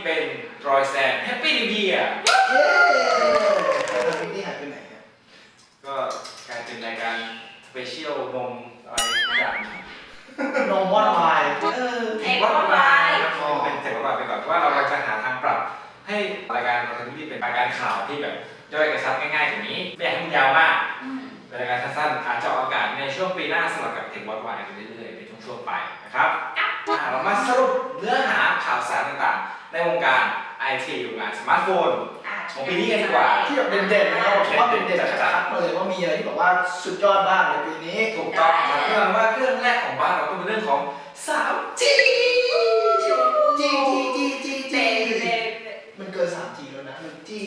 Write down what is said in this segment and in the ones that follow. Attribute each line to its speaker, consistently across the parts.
Speaker 1: เป็นรอยแซนแฮปปี้นิวเยียร์
Speaker 2: เย้ปีนี้หายไปไหนฮะ
Speaker 1: ก็กลายเป็นรายการสเปเชียลนมอะไรอย่าง
Speaker 2: นมวอดวาย
Speaker 1: เอกวัดวายเป็นเอกวัดวายไปก่อนเพราะว่าเราจะหาทางปรับให้รายการเราทำที่เป็นรายการข่าวที่แบบย่อยกระชับง่ายๆอย่างนี้ไม่อยากให้มันยาวมากเป็นรายการสั้นๆอาจจะออกอากาศในช่วงปีหน้าสลับกับเอกวัดวายไปเรื่อยๆในช่วงๆไปนะครับเรามาสรุปเนื้อหาข่าวสารต่างๆในวงการไอทีวงการสมาร์ทโฟนของปีนี้กันดีกว่า
Speaker 2: ที่แบบเด่นๆนะครับผมว่าเด่นๆชัดๆมาเลยว่ามีอะไรที่แบบว่าสุดยอดบ้างในปีนี้
Speaker 1: ถูกต้องครับเรื่องว่าเรื่องแรกของบ้านเราก็เป็นเรื่องของ 3G
Speaker 2: มันเกิน 3G แล้วนะมัน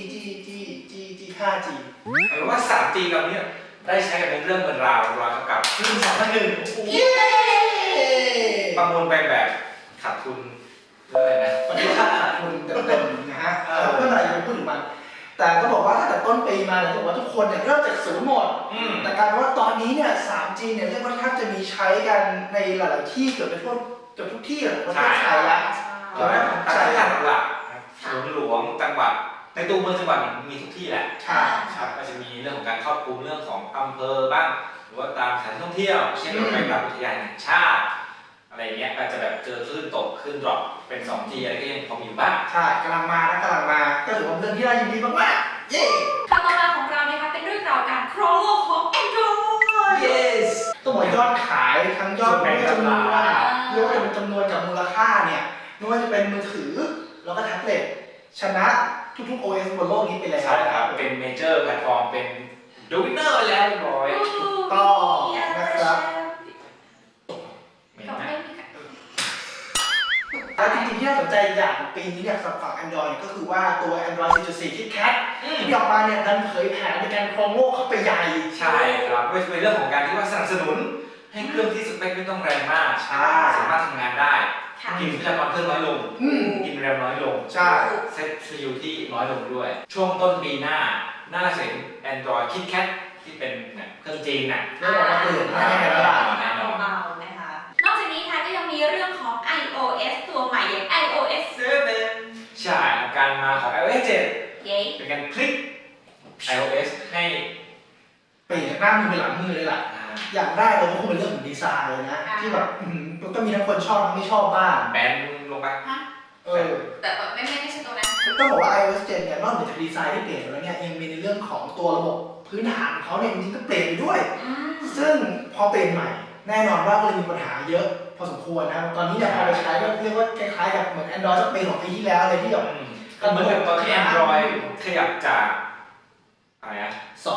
Speaker 2: 5G
Speaker 1: หมายว่า 3G เราเนี่ยได้ใช้กันเป็นเรื่องเป็นราวกับคลื่น2.1
Speaker 2: เย้
Speaker 1: ประมูลไปแบบขาดทุนเท่าไหร่นะ
Speaker 2: วันนี้ขาดทุนเต็มๆนะฮะเมื่อไหร่จะพูดถึงมันแต่ก็บอกว่าถ้าแต่ต้นปีมาเนี่ยบอกว่าทุกคนเนี่ยเริ่มจากศูนย์หมดแต่การว่าตอนนี้เนี่ย 3G เนี่ยเรียกว่าแทบจะมีใช้กันในหลายๆที่เกือบทุกที่ของประเทศไทยแล้ว
Speaker 1: ใช่หลักๆศูนย์หลวงจังหวัดในตัวเมืองจังหวัดมีทุกที่แหละ
Speaker 2: ใช่
Speaker 1: ครับก็จะมีเรื่องของการครอบคลุมเรื่องของอำเภอบ้างหรือว่าตามสถานท่องเที่ยวเช่นเราไปกับอุทยานแห่งชาติอะไรเงี้ยอาจจะแบบเจอคลื่นตกคลื่นดรอปเป็น 2G อะไรก็ยังพอมีอยู่บ้าง
Speaker 2: ใช่กำลังมาก็ถือว่าเป็นเรื่องที่น่ายินดีมากๆเย้
Speaker 3: ข่าวต่อมาของเรานะคะเป็นเรื่องราวการครองโลกของ Android
Speaker 2: yes ต้องบอกยอดขายทั้งยอดจำนวนเรียกว่าเป็นจำนวนกับมูลค่าเนี่ยไม่ว่าจะเป็นมือถือแล้วก็แท็บเล็ตชนะทุกๆ OS บนโลกนี้ไปแล้ว
Speaker 1: ใช่ครับเป็นเมเจอร์แพลตฟอร์มเป็นดูวินเนอร์ไปแล้วเรียบร้อย
Speaker 2: ถูกต้องนะครับแล้วจริงๆที่น่าสนใจอย่างปีนี้เนี่ยสำหรับฝั่ง Android ก็คือว่าตัว Android 4.4 KitKat ที่ออกมาเนี่ยดันเผยแผนในการครองโลกเข้าไปใหญ่
Speaker 1: ใช่ครับเป็นเรื่องของการที่ว่าสนับสนุนให้เครื่องที่สเปคไม่ต้องแรงมากสามารถทำงานได้กินทรัพยากรเครื่องน้อยลงกินแรมน้อยลง
Speaker 2: ใช่
Speaker 1: เซต CPU ที่น้อยลงด้วยช่วงต้นปีหน้าเห็น Android KitKat ที่เป็นเครื่องจีนน่ะ
Speaker 2: ได้ออกมาเปลี่ยนแน่แล้วล่ะ
Speaker 3: เบาๆนะคะนอกจากนี้ค่ะก็ยังมีเรื่องของ iOS ตัวใหม่อย่าง iOS
Speaker 1: 7ใช่การมาของ iOS 7เป็นการพลิก iOS ให้
Speaker 2: เปลี่ยนจากหน้ามือเป็นหลังมือเลยล่ะอย่างแรกเลยก็คงเป็นเรื่องของดีไซน์เลยนะที่แบบก็มีทั้งคนชอบทั้งไม่ชอบบ้าง
Speaker 1: แบนลงไป
Speaker 3: แต่แบบไม่ใช่ตัวนั้น
Speaker 2: ต้องบอกว่า iOS 7เนี่ยนอกจากดีไซน์ที่เปลี่ยนแล้วเนี่ยยังมีในเรื่องของตัวระบบพื้นฐานเขาเนี่ยจริงๆก็เปลี่ยนไปด้วยซึ่งพอเปลี่ยนใหม่แน่นอนว่าก็เลยมีปัญหาเยอะพอสมควรนะตอนนี้เนี่ยพอไปใช้ก็เรียกว่าคล้ายๆกับเหมือน Android สักปีของปีที่แล้วเลยที่แบบ
Speaker 1: เหมือนกับตอนที่ Android ขยับจากอะไรนะ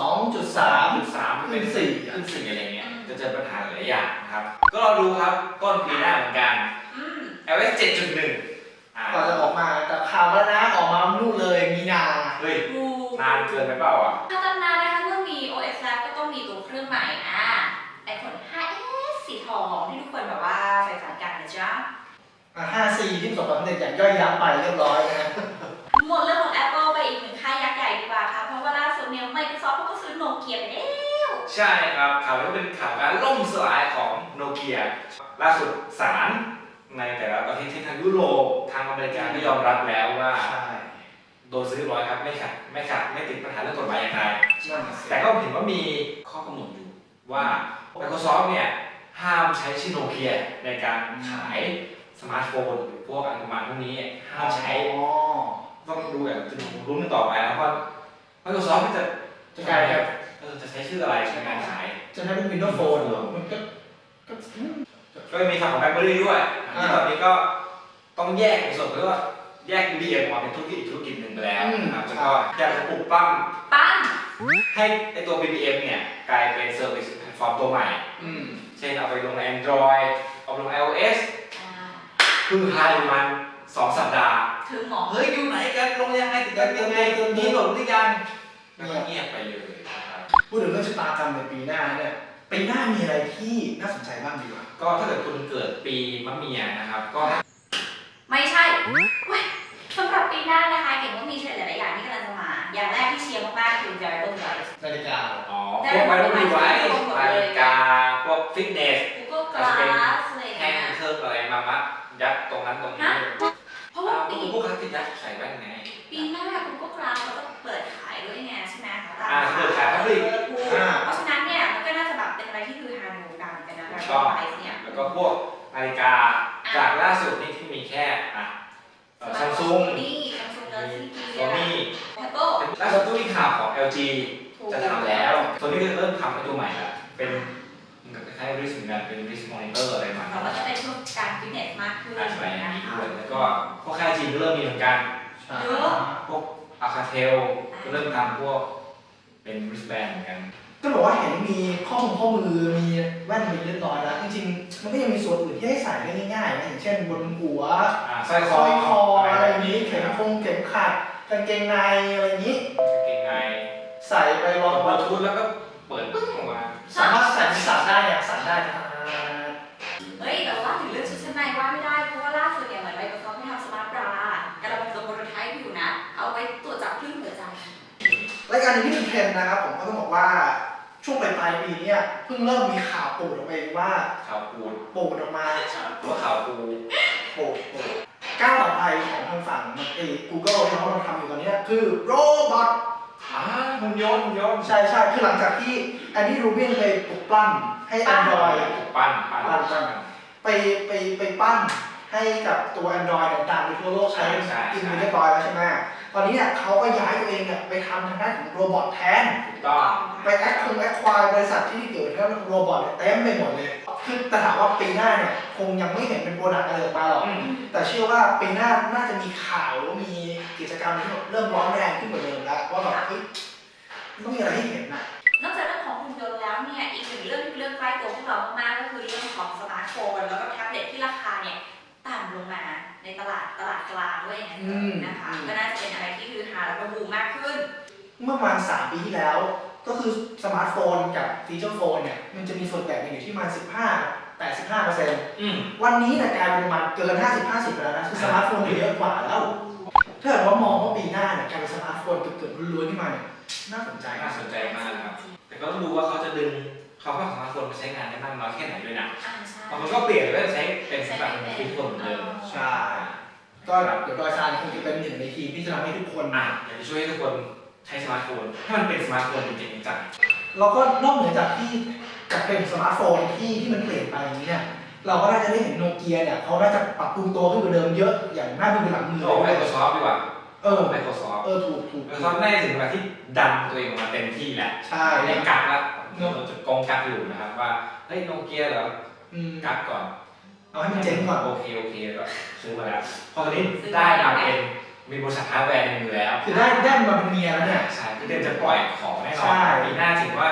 Speaker 2: 2.3
Speaker 1: ขึ้น 4อะไรเงี้ยจะเจอปัญหาหลายอย่างนะครับก็เราดูครับต้นปีหน้าเหมือนกัน iOS 7.1
Speaker 2: ก่อนจะออกมาแต่ข่าวแล้วนะออกมานู่นเลยมีนา
Speaker 1: เฮ้ยนานเกินไปเปล่าอ่ะ
Speaker 3: ถ้าตั้งนานนะคะเมื่อมี OS แล้วก็ต้องมีตัวเครื่องใหม่iPhone 5s สีทองที่ทุกคนแบบว่าใฝ่ฝันกันนะจ๊ะ
Speaker 2: 5C ที่ประสบความสำเร็จอย่างย่อยยับไปเรียบร้อยนะ
Speaker 3: หมดเรื่องของ Apple ไปอีกหนึ่งค่ายยักษ์ใหญ่ดีกว่าค่ะเพราะว่าล่าสุดเนี่ย Microsoft ก็ซื้อโนเกียไปแล้ว
Speaker 1: ใช่ครับข่าวนี้เป็นข่าวการล่มสลายของโนเกียล่าสุดศาลในแต่ละประเทศที่ทางยุโรปทางอเมริกาก็ยอมรับแล้วว่าโดนซื้อร้อยครับไม่ติดปัญหาเรื่องกฎหมายอย่างไรแต่ก็เห็นว่ามีข้อกำหนดอยู่ว่า Microsoft เนี่ยห้ามใช้ชื่อโนเกียในการขายสมาร์ทโฟนหรือพวกอันประมาณพวกนี้ห้ามใช้ต้องดูแบบจะลุ้นกันต่อไปนะว่า Microsoft จะใช้ชื่ออะไรในการขาย
Speaker 2: จะใช้เป็น Windows Phone เหรอมัน
Speaker 1: ก็มีฝั่งของ BlackBerry ด้วยที่ตอนนี้ก็ต้องแยกในส่วนที่ว่าแยก BBM ออกมาเป็นธุรกิจหนึ่งไปแล้วนะครับแล้วก็อยากจะปลุกปั้มให้ไอตัว BBM เนี่ยกลายเป็นเซอร์วิสแพลตฟอร์มตัวใหม่เช่นเอาไปลงใน Android เอาไปลง iOS คือหายมัน2 สัปดาห์
Speaker 3: ถึงหมอ
Speaker 1: เฮ้ยอยู่ไหนกันลงยังไงติดกันยังไงมีโหลดหรือยังเงียบไปเลย
Speaker 2: พูดถึงเรื่องชะตากรรมในปีหน้าเนี่ยปีหน้ามีอะไรที่น่าสนใจบ้างดีกว่า
Speaker 1: ก็ถ้าเกิดคุณเกิดปีมะเมียนะครับก็
Speaker 3: ไม่ใช่สำหรับปีหน้านะคะเก่งว่ามีเทรนด์หลายๆอย่างที่กำลังจะมาอย่างแรกที่เชียร์มากๆคือ wearable device
Speaker 2: นาฬิกา
Speaker 1: พวก wearable device นาฬิกาพวกฟิตเนส
Speaker 3: Google Glass
Speaker 1: แท่งเครื่องอะไรมายัดตรงนั้นตรงนี้
Speaker 3: เพราะว่าปี
Speaker 1: พวกคลาสติกยักษ์ใส่แว่นไง
Speaker 3: ปีหน้าคุณก็กราฟเขาจะเปิดขายด้วยไงใช่ไหมคะ
Speaker 1: เปิดขายครับพี่
Speaker 3: เพราะฉะนั้นเนี่ยมันก็น่าจะแบบเป็นอะไรที่คือฮาในวงการกันนะแล้วก็ไลฟ์เนี่ย
Speaker 1: แล้วก็พวกนาฬิกาจากล่าสุดนี่ที่มีแค่ซัมซุง
Speaker 3: นี่ซัมซุงเดอร์ซี่
Speaker 1: โซนี่
Speaker 3: แอปเปิล
Speaker 1: ล่าสุดตู้ที่ข่าวของ LG จะทำแล้วโซนี่ก็เริ่มทำให้ตัวใหม่ละเป็นคล้ายๆริสเหมือนกันเป็นริสมอนิเตอร์อะไรมา
Speaker 3: เราก็จะเป็นช่วงการฟิตเนสมากขึ้น
Speaker 1: อะไรอย่าง
Speaker 3: นะ
Speaker 1: นี้
Speaker 3: คะ
Speaker 1: ด้วยแล้วก็พวกค่ายจีนก็เริ่มมีเหมือนกัน
Speaker 3: เยอะ
Speaker 1: พวกอาคาเทลก็เริ่มทำพวกเป็นริสแบนเหมือนกัน
Speaker 2: ก็บอกว่าเห็นมีข้อมือมีแว่นเป็นเรียบร้อยแล้วจริงๆมันก็ยังมีส่วนอื่นที่ให้ใส่ได้ง่ายๆนะอย่างเช่นบนหัว
Speaker 1: สร้อย
Speaker 2: ส
Speaker 1: ค
Speaker 2: ร้
Speaker 1: อ
Speaker 2: อยคออะไรอย่างนี้เข็มขัดกางเกงในอะไรอย่างนี้
Speaker 1: เกงใน
Speaker 2: ใส่ไปรอง
Speaker 1: บลูทูธแล้วก็เปิดปึ้งออกมา
Speaker 2: สามารถใส่สั่นได้เนี่ยสั่นได้นะ
Speaker 3: เฮ้ยแต่ว่าถึงเรื่องชุดชั้นในว่าไม่ได้เพราะว่าล่าสุดเนี่ยเหมือนไมโครซอฟท์ทำสมาร์ทบรากำลังจะโปรโตไทป์อยู่นะ เอาไว้ตรวจจับคลื่นหัวใจ
Speaker 2: รายการนี้ที่เป็นเทรนด์นะครับผมก็ต้องบอกว่าช่วงปลายปีเนี่ยเพิ่งเริ่มมีข่าวปูดออกมาเองว่า
Speaker 1: ข่าวปูด
Speaker 2: ปูดออกมา
Speaker 1: หรือว่าข่าวปู
Speaker 2: ปูดก้าวต่อไปของทางฝั่งGoogle ที่เขากำลังทำอยู่ตอนนี้คือโรบอท
Speaker 1: หุ่นยนต์
Speaker 2: ใช่คือหลังจากที่แอนดี้รูบินไปปลุกปล้ำให้ Android
Speaker 1: ปั้น
Speaker 2: ไปปั้นให้กับตัว Android ต่างๆในทั่วโลกใช้กินไปเรียบร้อยแล้วใช่ไหมตอนนี้เนี่ยเขาก็ย้ายตัวเองเนี่ยไปทำทางด้านของโรบอทแทน
Speaker 1: ถูกต้อง
Speaker 2: ไปแอคควายบริษัทที่เกิดเรื่องโรบอทเนี่ยเต็มไปหมดเลยคือแต่ถามว่าปีหน้าเนี่ยคงยังไม่เห็นเป็นโปรดักต์อะไรออกมาหรอกแต่เชื่อว่าปีหน้าน่าจะมีข่าวหรือมีกิจกรรมที่เริ่มร้อนแรงขึ้นกว่าเดิมแล้วว่าแบบเฮ้ยต้องมีอะไรให้เห็นนะ
Speaker 3: นอกจากเรื่องของหุ่นยนต์แล้วเนี่ยอีกหนึ่งเรื่องที่เป็นเรื่องใกล้ตัวพวกเรามากๆก็คือเรื่องของสมาร์ทโฟนแล้วก็แท็บเล็ตที่ราคาเนี่ยต่ำลงมาในตลาดกลางด้วยนะคะก็น่าจะเป็นอะไรที่คือฮาแล้วก็บูมมากขึ้น
Speaker 2: เมื่อประมาณ3 ปีที่แล้ว ก็คือสมาร์ทโฟนกับฟีเจอร์โฟนเนี่ยมันจะมีส่วนแบ่งกันอยู่ที่ประมาณ15-85%วันนี้เนี่ยกลายเป็นประมาณเกิน 50-50 ไปแล้วนะคือสมาร์ทโฟนเยอะกว่าแล้วถ้าเกิดว่ามองว่าปีหน้าเนี่ยการเป็นสมาร์ทโฟนเกิดล้วนๆขึ้นมาเนี่ยน่าสนใจ
Speaker 1: น่าสนใจมากครับแต่ก็ต้องดูว่าเขาจะดึงเขาก็สามารถคนมาใช้งานได้มากน้อยแค่ไหนด้วยนะบางคนก็เปลี่ยนก็ใช้เป็นแบบฟีเจอร์เหมือนเดิม
Speaker 2: ใช่ก็เดี๋ยวดอยซานคงจะเป็นหนึ่งในทีมที่จะทำให้ทุกคน
Speaker 1: อยากจะช่วยให้ทุกคนใช้สมาร์ทโฟนให้มันเป็นสมาร์ทโฟนจริงๆจัง
Speaker 2: เราก็นอกเหนือจากที่จะเป็นสมาร์ทโฟนที่มันเปลี่ยนไปอย่างนี้เนี่ยเราก็น่าจะได้เห็นโนเกียเนี่ยเขาน่าจะปรับปรุงตัวขึ้นกว่าเดิมเยอะอย่างน่าดูเป็นหลังมือ
Speaker 1: โอ้ Microsoft ดีกว่า Microsoft
Speaker 2: ถูก
Speaker 1: Microsoft ได้ถึงเวลาที่ดันตัวเองออกมาเต็มที่แล้ว
Speaker 2: ใช่
Speaker 1: ไม่กักแล้วเราจะกองกักอยู่นะครับว่าเฮ้ยโนเกียเหรอกักก่อน
Speaker 2: เอาให้มันเจ๋งก่อน
Speaker 1: โอเคก็ซื้อมาแล้วพอตอนนี้ได้มาเป็นมีบริษัทฮาร์ดแวร์ในมือแล้ว
Speaker 2: คือได้มาเป็นเมียแล้วเนี่ย
Speaker 1: ใช่คือเดินจะปล่อยของแน่นอนปีหน้าถือว่า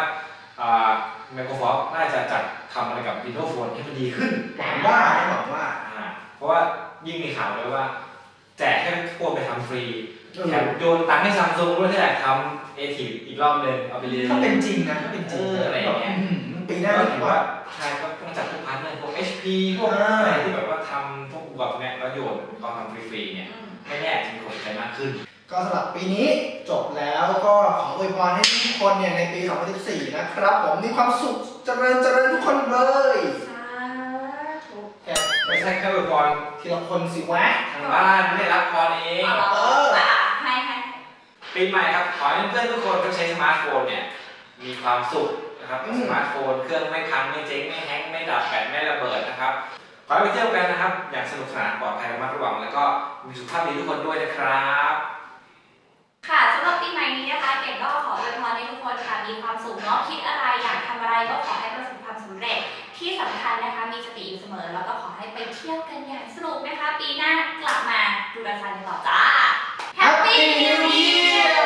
Speaker 1: Microsoft น่าจะจัดทำอะไรกับ Windows Phone ให้มันดีขึ้น
Speaker 2: หวังว่า
Speaker 1: เพราะว่ายิ่งมีข่าวเลยว่าแจกให้พวกไปทำฟรีแถมโยนตังค์ให้ซัมซุงด้วยที่อยากทำเอทีอีกรอบนึงเอาไปเรียน
Speaker 2: ถ้าเป็นจริงนะถ้าเป็นจริง
Speaker 1: อะไรอย่างเงี้ย
Speaker 2: ปีหน้า
Speaker 1: ก็
Speaker 2: ถื
Speaker 1: ถื
Speaker 2: อ
Speaker 1: อ
Speaker 2: ว่า
Speaker 1: ว่าใช่ก็ต้องจัดพวกพาร์ทเนอร์พวก HP พวกอะไรที่แบบว่าทำพวกอุปกรณ์เนี่ยแล้วโยนตอนทำฟรีๆเนี่ยไม่แน่จะมีคนสนใจมากขึ้น
Speaker 2: ก็สำหรับปีนี้จบแล้วก็ขออวยพรให้ทุกคนเนี่ยในปี 2014 นะครับผมมีความสุขเจริญทุกคนเลย
Speaker 3: สาธุ
Speaker 1: ไม่ใช่แค่อุปกรณ์
Speaker 2: ทีละคนสิวะ
Speaker 1: ทางบ้านไม่ได้รับพรเอง
Speaker 3: ให้
Speaker 1: ปีใหม่ครับขอให้เพื่อนๆทุกคนที่ใช้สมาร์ทโฟนเนี่ยมีความสุขนะครับสมาร์ทโฟนเครื่องไม่พังไม่เจ๊งไม่แฮงก์ไม่ดับแบตไม่ระเบิดนะครับขอให้ไปเที่ยวกันนะครับอย่างสนุกสนานปลอดภัยระมัดระวังแล้วก็มีสุขภาพดีทุกคนด้วยนะครับ
Speaker 3: ค่ะสำหรับปีใหม่นี้นะคะเก่งก็ขออวยพรให้ทุกคนค่ะมีความสุขเนาะคิดอะไรอยากทำอะไรก็ขอให้ประสบความสำเร็จที่สำคัญนะคะมีสติอยู่เสมอแล้วก็ขอให้ไปเที่ยวกันอย่างสนุกนะคะปีหน้ากลับมาดูแลฟันกันต่อจ้า Happy New Year